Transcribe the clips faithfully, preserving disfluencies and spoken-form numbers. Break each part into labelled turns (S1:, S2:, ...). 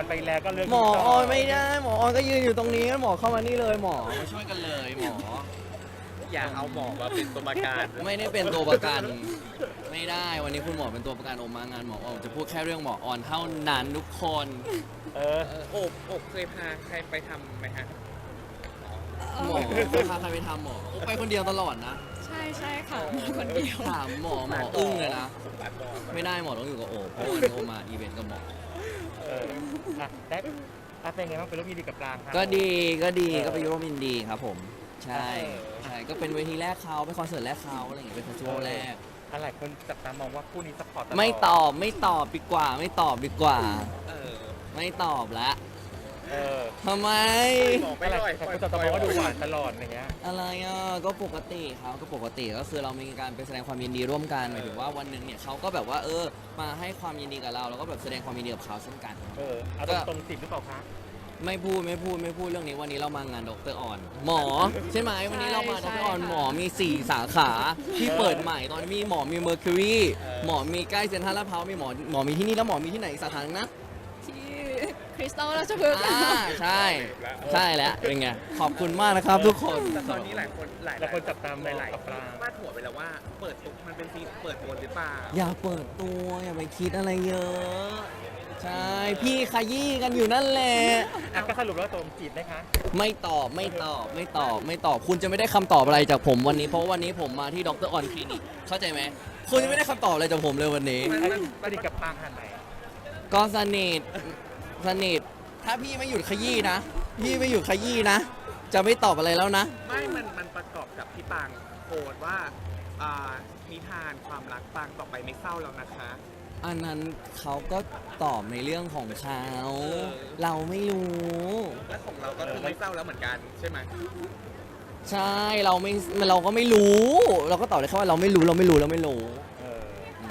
S1: อนไปแล้วก็เลือก
S2: หมอออนไม่ได้หมอออนก็ยืนอยู่ตรงนี้หมอเข้ามานี่เลยหมอมาช่วยกันเลยหมอ
S3: อย่าเอาหมอมาเป็นตัวประกัน
S2: ไม่ได้เป็นตัวประกัน ไม่ได้วันนี้คุณหมอเป็นตัวประกันโอมมางานหมอออนจะพูดแค่เรื่องหมอออนเท่านั้นทุกคน
S1: เออ
S3: โอบโอบเคยพาใครไปทำไหมฮะ
S2: หมอพาใครไปทำหมอโอไปคนเดียวตลอดนะ
S4: ใช่ใช่ค่ะมาคนเดียว
S2: ถามหมอหมออึ้งเลยนะ
S3: ตัดบอล
S2: ไม่ได้หมอต้องอยู่กับโอเพราะวันนี้โอมาอีเวนต์กับหมอ
S1: เอออ่ะได้อ่ะเป็นไงบ้างเป็นรูปยินดีกับปรางครับ
S2: ก็ดีก็ดี
S1: เออ
S2: ก็ไปร่วมยินดีครับผม ใช่ใช่ก็เป็นเวทีแรกเขาเป็นคอนเสิร์ตแรกเขาอะไรอย่างเงี้ยเป็นเฟสติวัลแรก
S1: อะไรคนจับตามองว่าคู่นี้ซัพพอร์ตตลอด
S2: ไม่ตอบไม่ตอบดีกว่า ไม่ตอบดีกว่า
S3: เออ
S2: ไม่ตอบละ
S1: เออ
S2: ทำไม
S3: บอกไม่
S1: อะไร
S3: ลอย
S1: แต่คนจับตามองว่าดูหวานตลอดอย่างเงี้ย
S2: อะไรอ่ะก็ปกติครับก็ปกติก็คือเรามีการไปแสดงความยินดีร่วมกันหมายถึงว่าวันหนึ่งเนี่ยเขาก็แบบว่าเออมาให้ความยินดีกับเราแล้วก็แบบแสดงความยินดีกับเขาเช่นกัน
S1: เออเอาตรงๆสิบหรือเปล่าคะ
S2: ไม่พูดไม่พูดไม่พูดเรื่องนี้วันนี้เรามางานดรออนหมอใช่ไหมวันนี้เรามาด
S4: ใช่
S2: รออน
S4: ค่ะ
S2: หมอมีสี่สาขาที่เปิดใหม่ตอนนี้มีหมอมีเมอร์คิวรีหมอมีใกล้เซ็นทรัลลาดพร้าวมีหมอหมอมีที่นี่แล้วหมอมีที่ไหนอีกสาขาหนึ่งนะ
S4: ที่คริสตัลราชพฤกษ์
S2: อ่าใช่ใช่แล้วเป็นไงขอบคุณมากนะครับทุกคน
S3: แต่ตอนนี้หลายคนหลาย
S1: หลายคนจับตามอง
S3: หลาย
S1: กับปราง
S3: ๆพาดหัวไปแล้วว่าเปิดตัวมันเป็นซีนเปิดตัวหรือเปล่า
S2: อย่าเปิดตัวอย่าไปคิดอะไรเยอะใช่พี่ขยี้กันอยู่นั่นแหละ
S1: อ่ะก็สรุปแล้วตรงจีบไหมคะ
S2: ไม่ตอบไม่ตอบไม่ตอบไม่ตอบคุณจะไม่ได้คำตอบอะไรจากผมวันนี้เพราะว่าวันนี้ผมมาที่ดรออนคลินิกเข้าใจไหมคุณจะไม่ได้คำตอบอะไรจากผมเลยวันนี้
S1: ไอ้สนิทกับปรางขนาดไหน
S2: ก็สนิทสนิทถ้าพี่ไม่หยุดขยี้นะ พี่ไม่หยุดขยี้นะ จะไม่ตอบอะไรแล้วนะ
S3: ไม่ มัน มันประกอบกับที่ปางโพสต์ว่าอ่านิทานความรักปางต่อไปไม่เศร้าแล้วนะคะ
S2: อันนั้นเขาก็ตอบในเรื่องของเขา
S3: อ
S2: เราไม่รู้
S3: และของเราก็คือไม่เศร้าแล้วเหมือนกันใช่ไหม
S2: ใช่เราไม่เราก็ไม่รู้ เราก็ตอบได้แค่ว่าเราไม่รู้เราไม่รู้เราไม่รู้
S1: เออ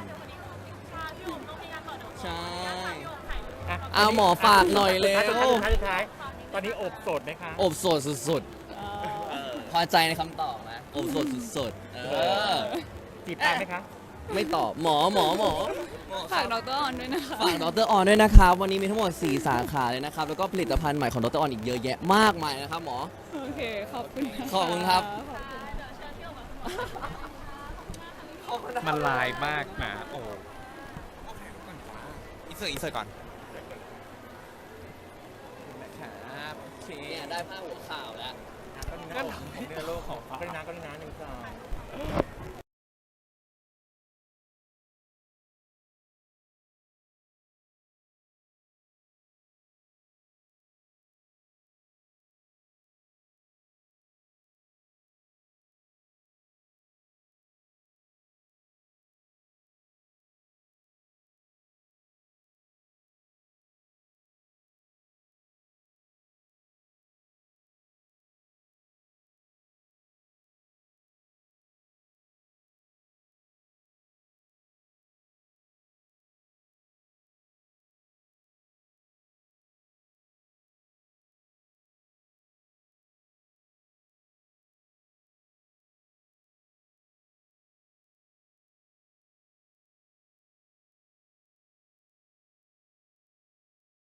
S2: ใช่
S1: อ่ะ
S2: เอาหมอฝากหน่อยเร็ว
S1: สุดท้ายสุดท้ายสุดท้ายตอนนี้อบโสดไหมคะ
S2: อบโสดสุด
S3: เออ
S2: ๆ พอใจในคำตอบไหมอบโสดสุดๆ เออ
S1: จีบปรางไหมคะ
S2: ไม่ตอบหมอหมอหมอ
S4: ฝากดรออนด้วยนะคะ
S2: ฝากดรออนด้วยนะครับ วันนี้มีทั้งหมดสี่สาขาเลยนะครับ แล้วก็ผลิตภัณฑ์ใหม่ของดรออนอีกเยอะแยะมากมายนะครับหมอ
S4: โอเค ขอบคุณนะะ
S2: ขอบคุณครับ
S4: ขอบคุณ
S3: มันลายมากนะโอ้อีเซอร์อีเซอร์ก่อนนะครับโอเค
S2: เนี่ยได้ผ้าหัวข่าวแล้ว
S1: ก็นี่นะโลกของก็นี่นะก็นี่นะหนึ่งสอง